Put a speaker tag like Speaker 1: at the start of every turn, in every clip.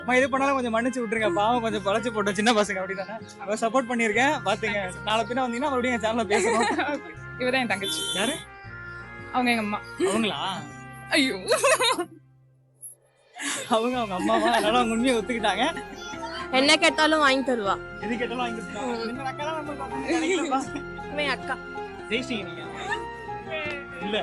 Speaker 1: இது பண்ணாலும் கொஞ்சம் மன்னிச்சு விட்டுருங்க, பாவம் கொஞ்சம் பழச்சு போட்ட சின்ன பசங்க அப்படிதானே. சப்போர்ட் பண்ணியிருக்கேன் பாத்துங்க. நாளை பின்ன வந்தீங்கன்னா மறுபடியும் என் சேனல்ல பேசணும்.
Speaker 2: இவதான் என் தங்கச்சி.
Speaker 1: யாரு
Speaker 2: அவங்க எங்க அம்மா.
Speaker 1: அவங்களா?
Speaker 2: ஐயோ,
Speaker 1: அவங்க அம்மாவா? அதனால அவங்க உண்மையை ஒத்துக்கிட்டாங்க.
Speaker 3: என்ன கேட்டாலும் வாங்கி தருவா.
Speaker 1: எது கேட்டாலும் வாங்கி கொடுத்தாங்க. இந்த அக்கா தான் நம்ம பார்க்கணும்னு நினைக்கலப்பா.
Speaker 3: இவன் அக்கா.
Speaker 1: ஜெயிச்சிங்க நீங்க. இல்ல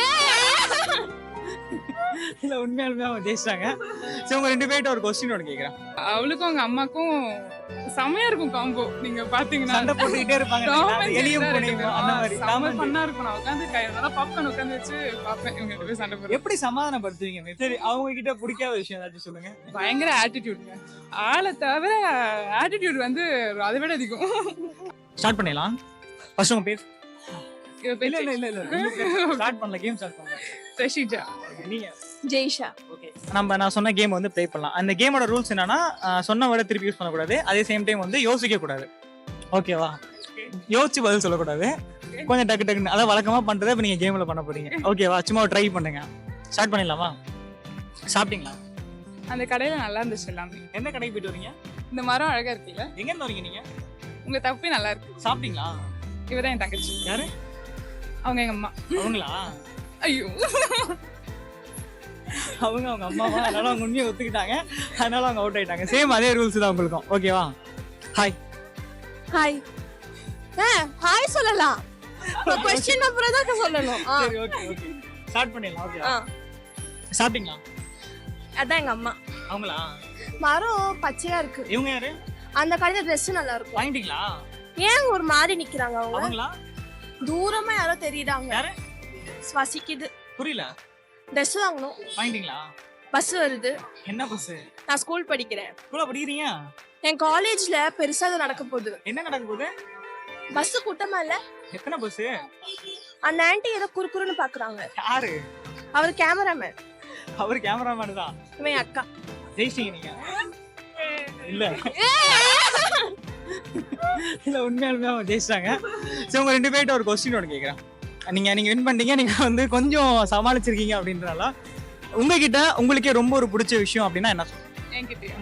Speaker 1: இல்ல உண்மையாலுமே அவங்க ஜெயிச்சிட்டாங்க. சரி, உங்க 2 பேர்ட்ட ஒரு கொஸ்டின் ஒன்று கேட்குறேன்.
Speaker 2: அவளுக்கும் அவங்க அம்மாக்கும் செமையா இருக்கும் காம்போ. நீங்க பாத்தீங்கன்னா
Speaker 1: சண்டை போட்டுக்கிட்டே இருப்பாங்க. எலியும் பூனையும் அந்த மாதிரி.
Speaker 2: பண்ணா இருக்கும். நான் உட்காந்து கையில பாப்கார்ன் உட்காந்து வச்சு பாப்பேன் இவங்க 2 பேரும் சண்டை போடுறது.
Speaker 1: எப்படி சமாதானப்படுத்துவீங்க? சரி, அவங்க கிட்ட பிடிக்காத விஷயம் ஏதாச்சும் சொல்லுங்க.
Speaker 2: பயங்கர ஆட்டிடியூட்ங்க. ஆளை தவிர ஆட்டிடியூட் வந்து அதை விட அதிகம்.
Speaker 1: ஸ்டார்ட் பண்ணிடலாம். ஃபர்ஸ்ட் உங்க பேர்.
Speaker 2: இல்ல இல்ல இல்ல
Speaker 1: ஸ்டார்ட் பண்ணல, கேம் ஸ்டார்ட் பண்ணலாம்.
Speaker 2: ரஷிஜா.
Speaker 1: நீங்க?
Speaker 3: ஜெய்ஷா.
Speaker 1: ஓகே, நான் சொன்ன கேம் வந்து ப்ளே பண்ணலாம். அந்த கேமோட ரூல்ஸ் என்னன்னா, சொன்ன வேர்டை திருப்பி யூஸ் பண்ணக்கூடாது. அதே சேம் டைம் வந்து யோசிக்க கூடாது. ஓகேவா? யோசிச்சு பதில் சொல்லக்கூடாது. கொஞ்சம் டக்கு டக்குன்னு அதான் வழக்கமா பண்றதை இப்ப நீங்க கேம்ல பண்ண போறீங்க. ஓகேவா? சும்மா ட்ரை பண்ணுங்க. ஸ்டார்ட் பண்ணிடலாமா? சாப்பிட்டீங்களா?
Speaker 2: அந்த கடையில நல்லா இருந்துச்சு எல்லாமே.
Speaker 1: எந்த கடைக்கு போயிட்டு வரீங்க?
Speaker 2: இந்த மரம் அழகா இருக்குல்ல?
Speaker 1: எங்க இருந்து வரீங்க நீங்க?
Speaker 2: உங்க தப்பே நல்லா இருக்கு.
Speaker 1: சாப்பிட்டீங்களா?
Speaker 2: இவதான் என் தங்கச்சி.
Speaker 1: யாரு?
Speaker 2: அவங்க எங்க அம்மா.
Speaker 1: அவங்களா?
Speaker 2: ஐயோ,
Speaker 1: அவங்க அம்மாவா? அதனால அவங்க உண்மையை ஒத்துக்கிட்டாங்க. அதனால அவங்க அவுட் ஆயிட்டாங்க. சேம் அதே ரூல்ஸ் தான் உங்களுக்கும். ஓகேவா? ஹாய்.
Speaker 3: ஹாய். ஹாய் சொல்லலாம். क्वेश्चन அப்புறம் தான் சொல்லணும்.
Speaker 1: சரி, ஓகே ஓகே. ஸ்டார்ட் பண்ணிடலாம். ஓகேவா? சாப்பிட்டீங்களா?
Speaker 3: அதான் எங்க அம்மா.
Speaker 1: அவங்களா?
Speaker 3: மரம் பச்சையா இருக்கு.
Speaker 1: இவங்க யாரு?
Speaker 3: அந்த கடையில Dress நல்லா இருக்கும்.
Speaker 1: வாங்கிட்டீங்களா?
Speaker 3: ஏன் ஒரு மாதிரி நிக்கிறாங்க அவங்க?
Speaker 1: அவங்களா?
Speaker 3: தூரமா யாரோ தெரியுறாங்க.
Speaker 1: யாரு?
Speaker 3: ஸ்வசிக்குது.
Speaker 1: புரியல.
Speaker 3: Dress வாங்கணும்.
Speaker 1: வாங்கிட்டீங்களா?
Speaker 3: பஸ் வருது.
Speaker 1: என்ன பஸ்?
Speaker 3: நான் ஸ்கூல் படிக்கிறேன்.
Speaker 1: ஸ்கூல்ல படிக்கிறீங்க?
Speaker 3: என் காலேஜ்ல பெருசா அது நடக்க போகுது.
Speaker 1: என்ன நடக்க போகுது?
Speaker 3: பஸ் கூட்டமா இல்ல?
Speaker 1: எத்தனை பஸ்?
Speaker 3: அந்த ஆன்ட்டி ஏதோ குறுக்குறுன்னு பாக்குறாங்க.
Speaker 1: யாரு?
Speaker 3: அவர் கேமராமேன்.
Speaker 1: அவர் கேமராமேன் தான்.
Speaker 3: இவன் அக்கா.
Speaker 1: ஜெயிச்சிங்க நீங்க. இல்ல இல்ல உண்மையாலுமே அவங்க ஜெயிச்சிட்டாங்க. சரி, உங்க 2 பேர்ட்ட ஒரு கொஸ்டின் ஒன்று கேட்குறேன். நீங்க வின் பண்ணிட்டீங்க. நீங்க வந்து கொஞ்சம் சமாளிச்சிருக்கீங்க அப்படின்றனால உங்ககிட்ட உங்களுக்கே ரொம்ப ஒரு பிடிச்ச விஷயம் அப்படின்னா என்ன சொல்லுங்க?
Speaker 2: என்கிட்டயா?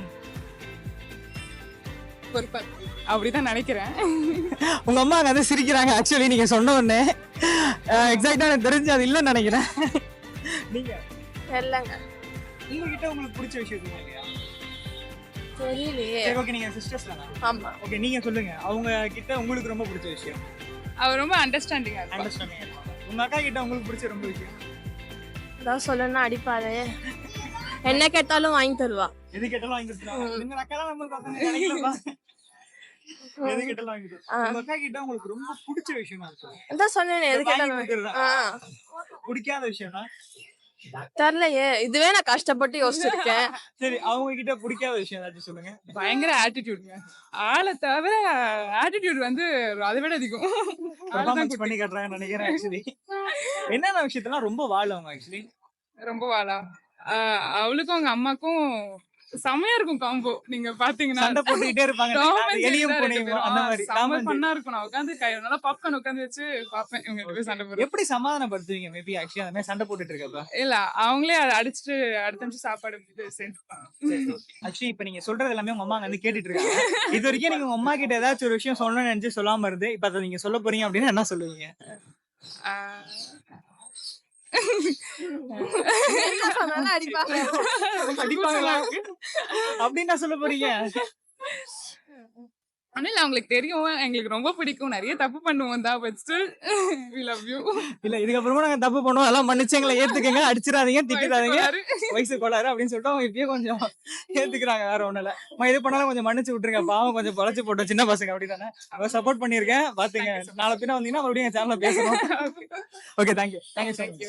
Speaker 2: பொறுப்பா அப்படிதான் நினைக்கிறேன்.
Speaker 1: உங்க அம்மா அங்க வந்து சிரிக்கிறாங்க. ஆக்சுவலி நீங்க சொன்ன உடனே எக்ஸாக்டா எனக்கு தெரிஞ்சு அது இல்லைன்னு நினைக்கிறேன். நீங்க?
Speaker 3: தெரியலங்க.
Speaker 1: உங்ககிட்ட உங்களுக்கு பிடிச்ச விஷயம் இல்லையா?
Speaker 3: தெரியலையே.
Speaker 1: சரி, ஓகே. நீங்க சிஸ்டர்ஸ் தானே?
Speaker 3: ஆமா.
Speaker 1: ஓகே, நீங்க சொல்லுங்க. அவங்க கிட்ட உங்களுக்கு ரொம்ப பிடிச்ச விஷயம்.
Speaker 2: அவர் ரொம்ப அண்டர்ஸ்டாண்டிங்கா இருப்பார்.
Speaker 1: அண்டர்ஸ்டாண்டிங். உங்க அக்கா கிட்ட உங்களுக்கு பிடிச்ச ரொம்ப விஷயம்.
Speaker 3: ஏதாவது சொல்லணும்னா அடிப்பாரு. என்ன கேட்டாலும் வாங்கி தருவா.
Speaker 1: எது கேட்டாலும் வாங்கி கொடுத்துருவாங்க. இந்த அக்கா தான் நம்ம பார்க்கணும்னு நினைக்கலப்பா. எது கேட்டாலும் வாங்கி கொடுத்துருவாங்க. உங்க அக்கா கிட்ட உங்களுக்கு ரொம்ப பிடிச்ச விஷயம் சொல்லுங்க.
Speaker 3: அதான் சொன்னேனே, எது கேட்டாலும்.
Speaker 1: பிடிக்காத விஷயம்னா?
Speaker 3: தெரியலையே. இதுவே நான் கஷ்டப்பட்டு யோசிச்சிருக்கேன்.
Speaker 1: சரி, அவங்க கிட்ட பிடிக்காத விஷயம் ஏதாச்சும் சொல்லுங்க.
Speaker 2: பயங்கர ஆட்டிடியூட்ங்க. ஆளை தவிர ஆட்டிடியூட் வந்து அதை விட அதிகம்.
Speaker 1: பெர்ஃபார்மன்ஸ் பண்ணி காட்டுறாங்கன்னு நினைக்கிறேன். ஆக்சுவலி என்னென்ன விஷயத்தெல்லாம் ரொம்ப வாழ அவங்க ஆக்சுவலி
Speaker 2: ரொம்ப வாழா. அவளுக்கும் அவங்க அம்மாக்கும் செமையா இருக்கும் காம்போ. நீங்க பாத்தீங்கன்னா
Speaker 1: சண்டை போட்டுக்கிட்டே இருப்பாங்க. எலியும் பூனையும் அந்த மாதிரி.
Speaker 2: பண்ணா இருக்கும். நான் உட்காந்து கையில பாப்கார்ன் உட்காந்து வச்சு பாப்பேன் இவங்க 2 பேரும் சண்டை போடுறது.
Speaker 1: எப்படி சமாதானப்படுத்துவீங்க? மேபி ஆக்சுவலி அந்த மாதிரி சண்டை போட்டுட்டு இருக்கப்ப
Speaker 2: இல்ல அவங்களே அதை அடிச்சுட்டு அடுத்த நிமிஷம் சாப்பாடு சேர்த்துப்பாங்க.
Speaker 1: ஆக்சுவலி இப்ப நீங்க சொல்றது எல்லாமே உங்க அம்மா வந்து கேட்டுட்டு இருக்காங்க. இது வரைக்கும் நீங்க உங்க அம்மா கிட்ட ஏதாச்சும் ஒரு விஷயம் சொல்லணும்னு நினைச்சு சொல்லாம இருந்து இப்ப அதை நீங்க சொல்ல போறீங்க அப்படின்னா என்ன சொல்லுவீங்க? அடிப்பாங்களா அப்படின்னு நான் சொல்ல போறீங்க?
Speaker 2: ஆனா இல்ல, அவங்களுக்கு தெரியும் எங்களுக்கு ரொம்ப பிடிக்கும், நிறைய தப்பு பண்ணுவோம் தான். But still we love you.
Speaker 1: இல்ல, இதுக்கப்புறமா நாங்க தப்பு பண்ணுவோம், அதெல்லாம் மன்னிச்சு எங்களை ஏத்துக்கங்க, அடிச்சிடாதீங்க, திட்டிடாதீங்க, வயசு கோளாறு அப்படின்னு சொல்லிட்டு அவங்க இப்பயே கொஞ்சம் ஏத்துக்கிறாங்க. வேற ஒண்ணும் இல்ல. இது பண்ணாலும் கொஞ்சம் மன்னிச்சு விட்டுருங்க, பாவம் கொஞ்சம் பழச்சு போட்ட சின்ன பசங்க அப்படிதானே. சப்போர்ட் பண்ணிருக்கேன் பாத்துங்க. நாளை பின்ன வந்தீங்கன்னா மறுபடியும் என் சேனல்ல பேசணும். Okay, thank you.